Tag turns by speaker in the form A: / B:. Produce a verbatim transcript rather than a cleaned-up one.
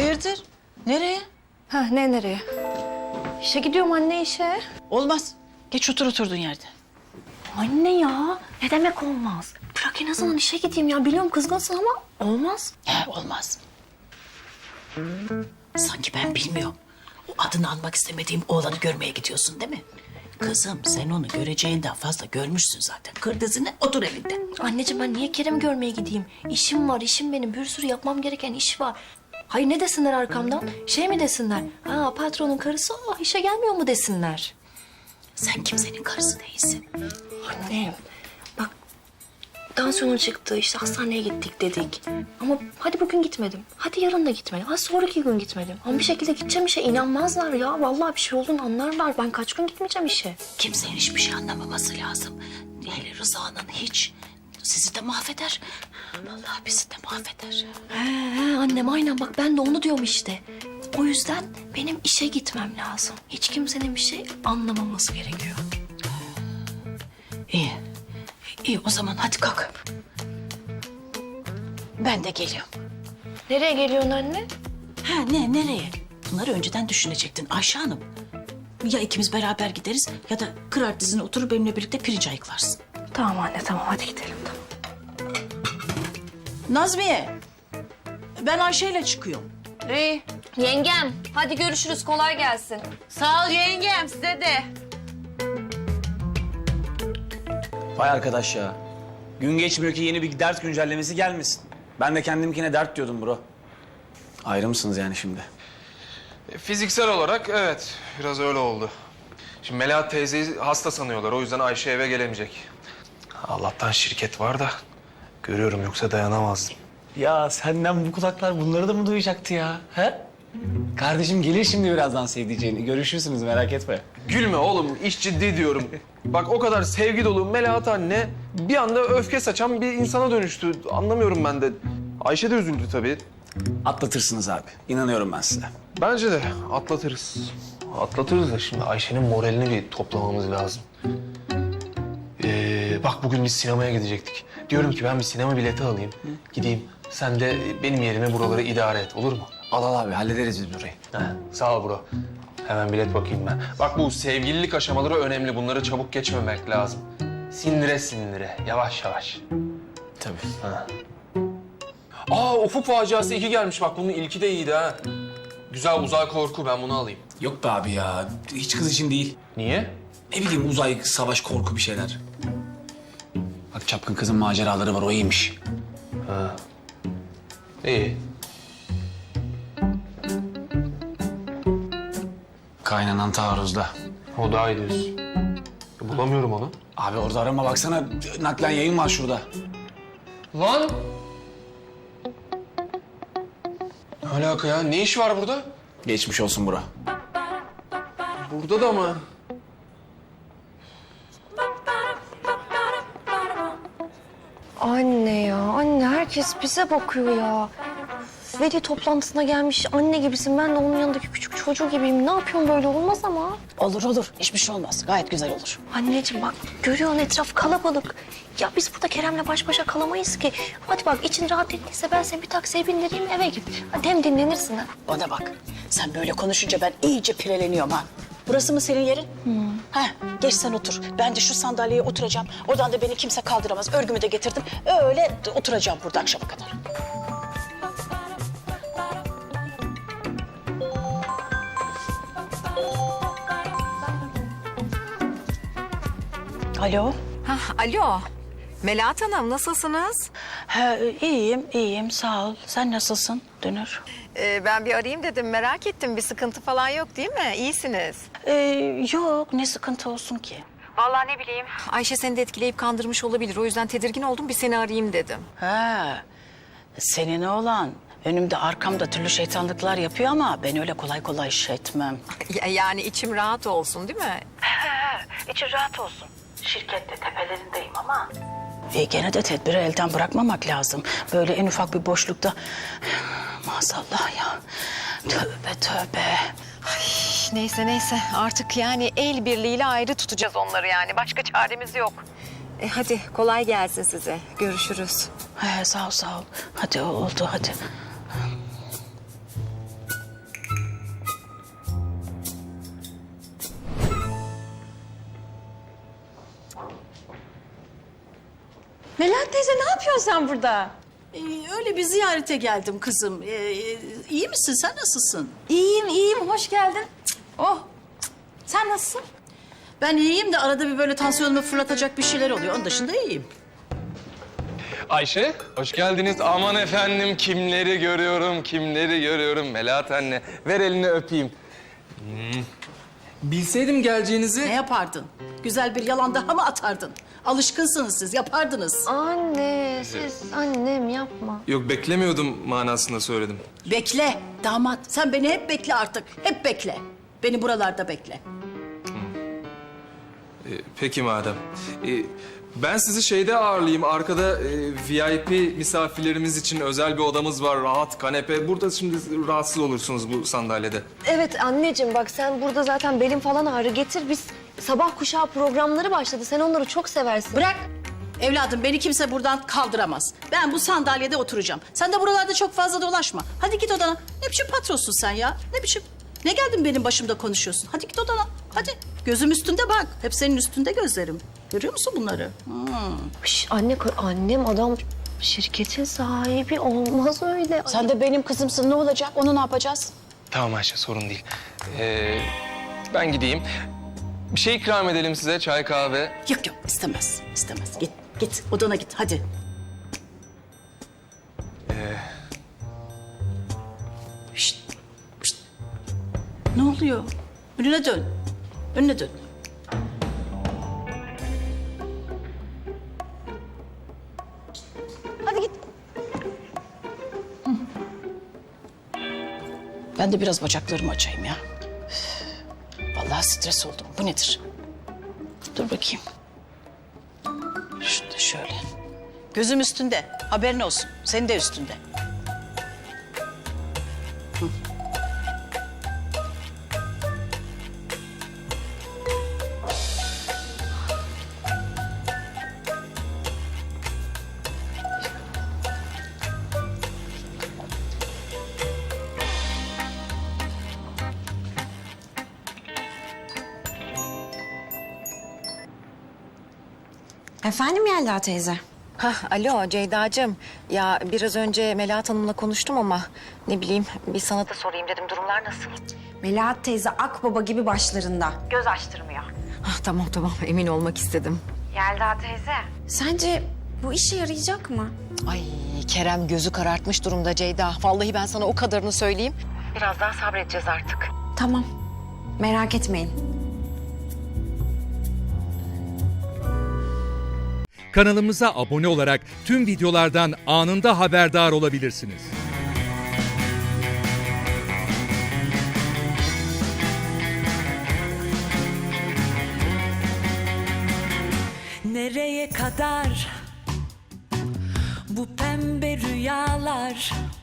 A: Hayırdır? Nereye?
B: Ha ne nereye? İşe gidiyorum anne işe.
A: Olmaz. Geç otur oturduğun yerde.
B: Anne ya ne demek olmaz? Bırak en azından işe gideyim ya. Biliyorum kızgınsın ama olmaz.
A: He, olmaz. Sanki ben bilmiyorum. O adını almak istemediğim oğlanı görmeye gidiyorsun değil mi? Kızım sen onu göreceğinden fazla görmüşsün zaten. Kır dizini otur evinde.
B: Anneciğim ben niye Kerem'i görmeye gideyim? İşim var, işim benim. Bir sürü yapmam gereken iş var. Hayır ne desinler arkamdan? Şey mi desinler? Ha patronun karısı o işe gelmiyor mu desinler?
A: Sen kimsenin karısı değilsin.
B: Annem bak tansiyonun çıktı işte hastaneye gittik dedik. Ama hadi bugün gitmedim. Hadi yarın da gitmedim. Hadi sonraki gün gitmedim. Ama bir şekilde gideceğim işe inanmazlar ya. Vallahi bir şey olduğunu anlarlar. Ben kaç gün gitmeyeceğim işe.
A: Kimsenin hiçbir şey anlamaması lazım. Hele Rıza'nın hiç. Sizi de mahveder. Vallahi bizi de mahveder.
B: He, he annem aynen bak ben de onu diyorum işte. O yüzden benim işe gitmem lazım. Hiç kimsenin bir şey anlamaması gerekiyor.
A: İyi. İyi o zaman hadi kalk. Ben de geliyorum.
B: Nereye geliyorsun anne?
A: Ha ne nereye? Bunları önceden düşünecektin Ayşe Hanım. Ya ikimiz beraber gideriz ya da kırar dizine oturup benimle birlikte pirinç ayıklarsın.
B: Tamam anne tamam hadi gidelim tamam.
A: Nazmiye. Ben Ayşe ile çıkıyorum.
C: İyi.
B: Yengem hadi görüşürüz kolay gelsin.
C: Sağ ol yengem size de.
D: Vay arkadaş ya. Gün geçmiyor ki yeni bir dert güncellemesi gelmesin. Ben de kendimkine dert diyordum bro. Ayrı mısınız yani şimdi?
E: E, Fiziksel olarak evet, biraz öyle oldu. Şimdi Melahat teyzeyi hasta sanıyorlar, o yüzden Ayşe eve gelemeyecek. Allah'tan şirket var da görüyorum, yoksa dayanamazdım.
D: Ya senden bu kulaklar bunları da mı duyacaktı ya? He? Kardeşim gelir şimdi birazdan sevdiceğini. Görüşürsünüz merak etme.
E: Gülme oğlum, iş ciddi diyorum. Bak o kadar sevgi dolu Melahat anne bir anda öfke saçan bir insana dönüştü. Anlamıyorum ben de. Ayşe de üzüldü tabii.
D: Atlatırsınız abi. İnanıyorum ben size.
E: Bence de atlatırız. Atlatırız da şimdi Ayşe'nin moralini bir toplamamız lazım. Ee, bak bugün biz sinemaya gidecektik. Diyorum ki ben bir sinema bileti alayım. Gideyim. Sen de benim yerime buraları idare et, olur mu?
D: Al al abi hallederiz biz burayı.
E: Ha, sağ ol bro. Hemen bilet bakayım ben. Bak bu sevgililik aşamaları önemli. Bunları çabuk geçmemek lazım. Sindire sindire, yavaş yavaş.
D: Tabii.
E: Ha. Aa, Ufuk Faciası iki gelmiş. Bak bunun ilki de iyiydi ha. Güzel uzay korku, ben bunu alayım.
D: Yok be abi ya. Hiç kız için değil.
E: Niye?
D: Ne bileyim uzay, savaş, korku bir şeyler. Bak çapkın kızın maceraları var o iyiymiş.
E: Ha. İyi.
D: Kaynanan taarruzda.
E: O daha iyi diyorsun. Ya, bulamıyorum onu.
D: Abi orada arama baksana naklen yayın var şurada.
E: Lan! Ne alaka ya? Ne iş var burada?
D: Geçmiş olsun bura.
E: Burada da mı?
B: Anne ya anne herkes bize bakıyor ya. Veli toplantısına gelmiş anne gibisin. Ben de onun yanındaki küçük çocuğu gibiyim. Ne yapıyorsun böyle olmaz ama.
A: Olur olur. Hiçbir şey olmaz. Gayet güzel olur.
B: Anneciğim bak görüyorsun etraf kalabalık. Ya biz burada Kerem'le baş başa kalamayız ki. Hadi bak için rahat ettiyse ben seni bir taksiye bindireyim eve git. Hadi hem dinlenirsin ha.
A: Bana bak. Sen böyle konuşunca ben iyice pireleniyorum ha. Burası mı senin yerin? Hmm. Ha, geç sen otur. Ben de şu sandalyeye oturacağım. Oradan da beni kimse kaldıramaz. Örgümü de getirdim. Öyle oturacağım burada akşama kadar. Alo.
C: Hah, alo. Melahat Hanım nasılsınız?
A: Ha, iyiyim, iyiyim. Sağ ol. Sen nasılsın Dönür?
C: Ee, ben bir arayayım dedim, merak ettim. Bir sıkıntı falan yok değil mi? İyisiniz.
A: Ee, yok, ne sıkıntı olsun ki?
C: Vallahi ne bileyim. Ayşe seni de etkileyip kandırmış olabilir. O yüzden tedirgin oldum, bir seni arayayım dedim.
A: Ha, senin oğlan önümde arkamda türlü şeytanlıklar yapıyor ama ben öyle kolay kolay iş etmem.
C: Ya- yani içim rahat olsun değil mi?
A: İçin rahat olsun. Şirkette tepelerindeyim ama... E, gene de tedbiri elden bırakmamak lazım. Böyle en ufak bir boşlukta... Maazallah ya. Tövbe tövbe.
C: Neyse neyse artık yani el birliğiyle ayrı tutacağız onları yani. Başka çaremiz yok. E, hadi kolay gelsin size. Görüşürüz.
A: He, sağ ol sağ ol. Hadi oldu hadi.
C: Melahat teyze ne yapıyorsun sen burada?
A: Ee, öyle bir ziyarete geldim kızım. Ee, iyi misin? Sen nasılsın?
C: İyiyim, iyiyim. Hoş geldin. Oh. Sen nasılsın?
A: Ben iyiyim de arada bir böyle tansiyonumu fırlatacak bir şeyler oluyor. Onun dışında iyiyim.
E: Ayşe, hoş geldiniz. Aman efendim, kimleri görüyorum, kimleri görüyorum. Melahat anne, ver elini öpeyim. Hmm. Bilseydim geleceğinizi...
A: Ne yapardın? Güzel bir yalan daha mı atardın? Alışkınsınız siz, yapardınız.
B: Anne, siz annem yapma.
E: Yok, beklemiyordum manasında söyledim.
A: Bekle damat. Sen beni hep bekle artık. Hep bekle. Beni buralarda bekle.
E: Ee, peki madem. Ee, ben sizi şeyde ağırlayayım. Arkada e, V I P misafirlerimiz için özel bir odamız var. Rahat kanepe. Burada şimdi rahatsız olursunuz bu sandalyede.
B: Evet anneciğim bak sen burada zaten belin falan ağrı getir. Biz sabah kuşağı programları başladı. Sen onları çok seversin.
A: Bırak. Evladım beni kimse buradan kaldıramaz. Ben bu sandalyede oturacağım. Sen de buralarda çok fazla dolaşma. Hadi git odana. Ne biçim patronsun sen ya? Ne biçim? Ne geldin benim başımda konuşuyorsun? Hadi git odana. Hadi. Gözüm üstünde bak. Hep senin üstünde gözlerim. Görüyor musun bunları? Hmm.
B: Şş, anne, annem adam şirketin sahibi olmaz öyle.
A: Sen de benim kızımsın. Ne olacak? Onu ne yapacağız?
E: Tamam Ayşe, sorun değil. Ee, ben gideyim. Bir şey ikram edelim size, çay kahve.
A: Yok yok istemez. İstemez. Git git odana git hadi. Şşt, şşt. Ne oluyor? Önüne dön. Önüne dön. Hadi git. Hı. Ben de biraz bacaklarımı açayım ya. Üf, vallahi stres oldum. Bu nedir? Dur bakayım. Şurada şöyle. Gözüm üstünde. Haberin olsun. Senin de üstünde. Hı.
F: Efendim Yelda teyze?
C: Hah, alo Ceyda'cığım. Ya biraz önce Melahat Hanım'la konuştum ama ne bileyim bir sana da sorayım dedim. Durumlar nasıl?
F: Melahat teyze akbaba gibi başlarında.
C: Göz açtırmıyor. Ah, tamam tamam emin olmak istedim.
F: Yelda teyze. Sence bu işe yarayacak mı?
C: Ay Kerem gözü karartmış durumda Ceyda. Vallahi ben sana o kadarını söyleyeyim. Biraz daha sabredeceğiz artık.
F: Tamam. Merak etmeyin.
G: Kanalımıza abone olarak tüm videolardan anında haberdar olabilirsiniz.
H: Nereye kadar bu pembe rüyalar?